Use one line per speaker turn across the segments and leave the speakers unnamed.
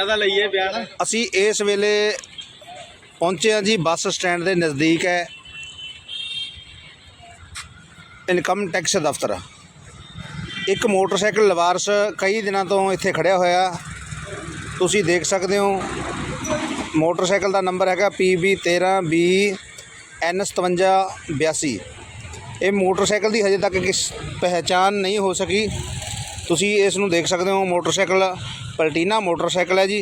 ਇਹਨਾਂ ਦਾ ਲਈਏ ਬਿਆਨ।
ਅਸੀਂ ਇਸ ਵੇਲੇ ਪਹੁੰਚੇ ਹਾਂ ਜੀ ਬੱਸ ਸਟੈਂਡ ਦੇ ਨਜ਼ਦੀਕ ਹੈ ਇਨਕਮ ਟੈਕਸ ਦਫ਼ਤਰ। ਇੱਕ ਮੋਟਰਸਾਈਕਲ ਲਵਾਰਸ ਕਈ ਦਿਨਾਂ ਤੋਂ ਇੱਥੇ ਖੜਿਆ ਹੋਇਆ, ਤੁਸੀਂ ਦੇਖ ਸਕਦੇ ਹੋ। ਮੋਟਰਸਾਈਕਲ ਦਾ ਨੰਬਰ ਹੈਗਾ PB 13B N 5782। ਇਹ ਮੋਟਰਸਾਈਕਲ ਦੀ ਹਜੇ ਤੱਕ ਕਿਸ ਪਹਿਚਾਣ ਨਹੀਂ ਹੋ ਸਕੀ। ਤੁਸੀਂ ਇਸ ਨੂੰ ਦੇਖ ਸਕਦੇ ਹੋ। ਮੋਟਰਸਾਈਕਲ ਪਲਟੀਨਾ ਮੋਟਰਸਾਈਕਲ ਹੈ ਜੀ।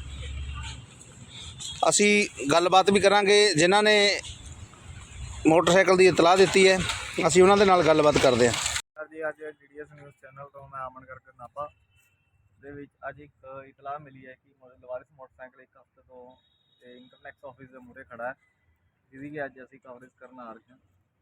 ਅਸੀਂ ਗੱਲਬਾਤ ਵੀ ਕਰਾਂਗੇ ਜਿਨ੍ਹਾਂ ਨੇ ਮੋਟਰਸਾਈਕਲ ਦੀ ਇਤਲਾਹ ਦਿੱਤੀ ਹੈ, ਅਸੀਂ ਉਹਨਾਂ ਦੇ ਨਾਲ ਗੱਲਬਾਤ ਕਰਦੇ ਹਾਂ।
ਜੀ ਅੱਜ DDS ਨਿਊਜ਼ ਚੈਨਲ ਤੋਂ ਮੈਂ ਅਮਨ ਕਰਕੇ ਨਾਭਾ ਦੇ ਵਿੱਚ ਅੱਜ ਇੱਕ ਇਤਲਾਹ ਮਿਲੀ ਹੈ ਕਿ ਲਵਾਰਿਸ ਮੋਟਰਸਾਈਕਲ ਇੱਕ ਹਫ਼ਤੇ ਤੋਂ ਇਨਕਮ ਟੈਕਸ ਆਫਿਸ ਦੇ ਮੂਹਰੇ ਖੜਾ ਹੈ, ਜਿਹਦੀ ਕਿ ਅੱਜ ਅਸੀਂ ਕਵਰੇਜ ਕਰਨ ਆ ਰਹੇ ਹਾਂ।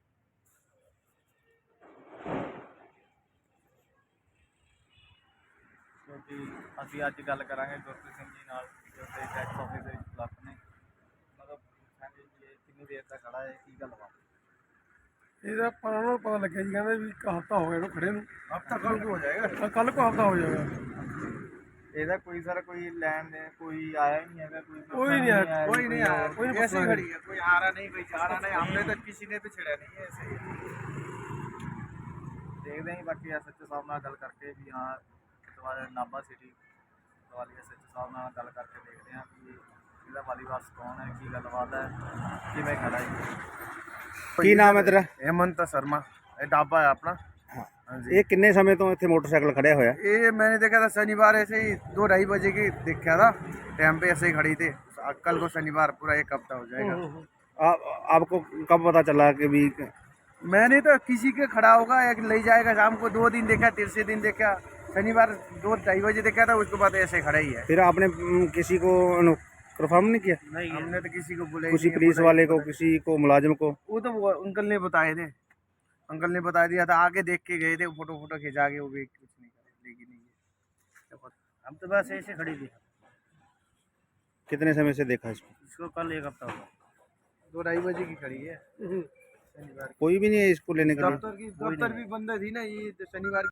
ਕਿਉਂਕਿ ਅਸੀਂ ਅੱਜ ਗੱਲ ਕਰਾਂਗੇ ਗੁਰਪ੍ਰੀਤ ਸਿੰਘ ਜੀ ਨਾਲ, ਜੋ ਕਿ ਟੈਕਸ ਆਫਿਸ ਦੇ ਵਿੱਚ ਕਲਰਕ ਨੇ। ਮਤਲਬ ਪੁੱਛਾਂਗੇ ਕਿ ਇਹ ਕਿੰਨੀ ਦੇਰ ਤੱਕ ਖੜਾ ਹੈ, ਕੀ ਗੱਲਬਾਤ।
ਇਹਦਾ ਪਰ ਉਹਨਾਂ ਨੂੰ ਪਤਾ ਲੱਗਿਆ ਜੀ, ਕਹਿੰਦੇ ਵੀ ਇੱਕ ਹਫ਼ਤਾ ਹੋ ਗਿਆ ਇਹਨੂੰ ਖੜੇ ਨੂੰ।
ਹਫ਼ਤਾ ਕੱਲ੍ਹ ਨੂੰ ਹੋ ਜਾਏਗਾ,
ਕੱਲ੍ਹ ਕੋ ਹਫ਼ਤਾ ਹੋ ਜਾਏਗਾ।
ਇਹਦਾ ਕੋਈ ਸਰ ਕੋਈ ਲੈਣ ਦੇਣ ਕੋਈ आया ही नहीं है,
कोई नहीं आया,
कोई नहीं आया,
कोई नहीं
ऐसे ही खड़ी है, कोई आ रहा नहीं, कोई जा रहा नहीं। हमने तो किसी ने तो छेड़ा नहीं है, ऐसे ही देखते हैं। बाकी SHO साहब ਨਾਲ ਗੱਲ ਕਰਕੇ ਵੀ ਹਾਂ ਦੁਬਾਰਾ ਨਾਭਾ ਸਿਟੀ ਵਾਲੀ SHO ਸਾਹਿਬ ਨਾਲ ਗੱਲ ਕਰਕੇ ਦੇਖਦੇ ਹਾਂ ਕਿ ਇਹਦਾ ਵਾਲੀਵਾਸ ਕੌਣ ਹੈ, ਕੀ ਗੱਲਬਾਤ ਹੈ, ਕਿਵੇਂ ਖੜਾ ਹੈ।
ਕੀ ਨਾਮ ਹੈ ਤੇਰਾ?
हेमंत शर्मा। ਇਹ ढाबा है अपना।
ਇਹ ਕਿੰਨੇ ਸਮੇਂ ਤੋਂ ਇੱਥੇ ਮੋਟਰਸਾਈਕਲ ਖੜਿਆ ਹੋਇਆ?
ये मैंने देखा था शनिवार ऐसे ही 2-2:30 बजे की देखा था, टाइम पे ऐसे ही खड़ी थी। कल को शनिवार पूरा एक हफ्ता हो जाएगा।
आपको कब पता चला कि भी?
मैंने तो किसी के खड़ा होगा, एक ले जाएगा शाम को, 2 दिन देखा, तीसरे दिन देखा, शनिवार 2-2:30 बजे देखा था, उसके बाद ऐसे खड़ा ही है।
फिर आपने किसी को कन्फर्म नहीं किया?
नहीं, हमने तो किसी को बोला,
किसी पुलिस वाले को, किसी को मुलाजिम को?
वो तो अंकल ने बताए थे, अंकल ने बता दिया था, आके देख के गए थे, फोटो खिंचा के, वो भी कुछ नहीं करे, लेकिन नहीं। हम तो बस ऐसे खड़ी थी।
कितने समय से देखा
इसको कल एक हफ्ता हुआ, 2-2:30 बजे की खड़ी है शनिवार।
कोई भी नहीं है इसको लेने के लिए?
दफ्तर भी बंद थी ना, ये शनिवार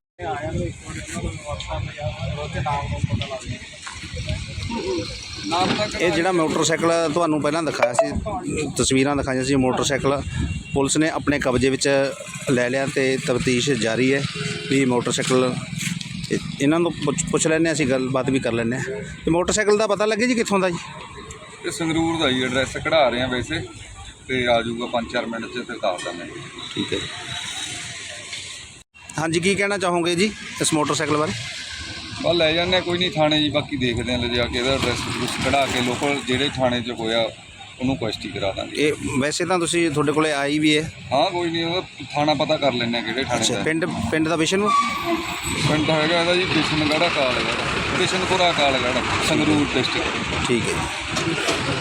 ਇਹ ਜਿਹੜਾ ਮੋਟਰਸਾਈਕਲ ਤੁਹਾਨੂੰ ਪਹਿਲਾਂ ਦਿਖਾਇਆ ਸੀ, ਤਸਵੀਰਾਂ ਦਿਖਾਈਆਂ ਸੀ, ਮੋਟਰਸਾਈਕਲ ਪੁਲਿਸ ਨੇ ਆਪਣੇ ਕਬਜ਼ੇ ਵਿੱਚ ਲੈ ਲਿਆ ਤੇ ਤਫਤੀਸ਼ ਜਾਰੀ ਹੈ ਵੀ ਮੋਟਰਸਾਈਕਲ ਇਹਨਾਂ ਨੂੰ ਪੁੱਛ ਲੈਂਦੇ ਹਾਂ, ਅਸੀਂ ਗੱਲਬਾਤ ਵੀ ਕਰ ਲੈਂਦੇ ਹਾਂ। ਤੇ ਮੋਟਰਸਾਈਕਲ ਦਾ ਪਤਾ ਲੱਗੇ ਜੀ ਕਿੱਥੋਂ ਦਾ ਜੀ?
ਇਹ ਸੰਗਰੂਰ ਦਾ ਜੀ, ਐਡਰੈਸ ਕਢਾ ਰਹੇ ਆ ਵੈਸੇ, ਤੇ ਆ ਜਾਊਗਾ 5-4 ਮਿੰਟ 'ਚ, ਫਿਰ ਦੱਸ ਦਿੰਦੇ।
ਠੀਕ ਹੈ। ਹਾਂਜੀ, ਕੀ ਕਹਿਣਾ ਚਾਹੋਗੇ ਜੀ ਇਸ ਮੋਟਰਸਾਈਕਲ ਬਾਰੇ?
ਬਸ ਲੈ ਜਾਂਦੇ ਕੋਈ ਨਹੀਂ ਥਾਣੇ ਜੀ, ਬਾਕੀ ਦੇਖਦੇ ਹਾਂ ਲਿਜਾ ਕੇ ਇਹਦਾ ਐਡਰੈਸ ਕਢਾ ਕੇ ਲੋਕਲ ਜਿਹੜੇ ਥਾਣੇ 'ਚ ਹੋਇਆ ਉਹਨੂੰ ਕੁਐਸਟੀ ਕਰਾ ਦਾਂਗੇ।
ਇਹ ਵੈਸੇ ਤਾਂ ਤੁਸੀਂ ਤੁਹਾਡੇ ਕੋਲੇ ਆਈ ਵੀ ਹੈ?
ਹਾਂ ਕੋਈ ਨਹੀਂ, ਉਹਦਾ ਥਾਣਾ ਪਤਾ ਕਰ ਲੈਂਦੇ ਕਿਹੜੇ ਥਾਣੇ ਦਾ।
ਪਿੰਡ ਦਾ ਵਿਸ਼ਨੂੰ?
ਪਿੰਡ ਹੈਗਾ ਇਹਦਾ ਜੀ ਬਿਸ਼ਨਗੜ੍ਹ ਕਾਲਗੜ੍ਹ, ਬਿਸ਼ਨਪੁਰਾ ਕਾਲਗੜ੍ਹ, ਸੰਗਰੂਰ ਡਿਸਟ੍ਰਿਕਟ।
ਠੀਕ ਹੈ ਜੀ।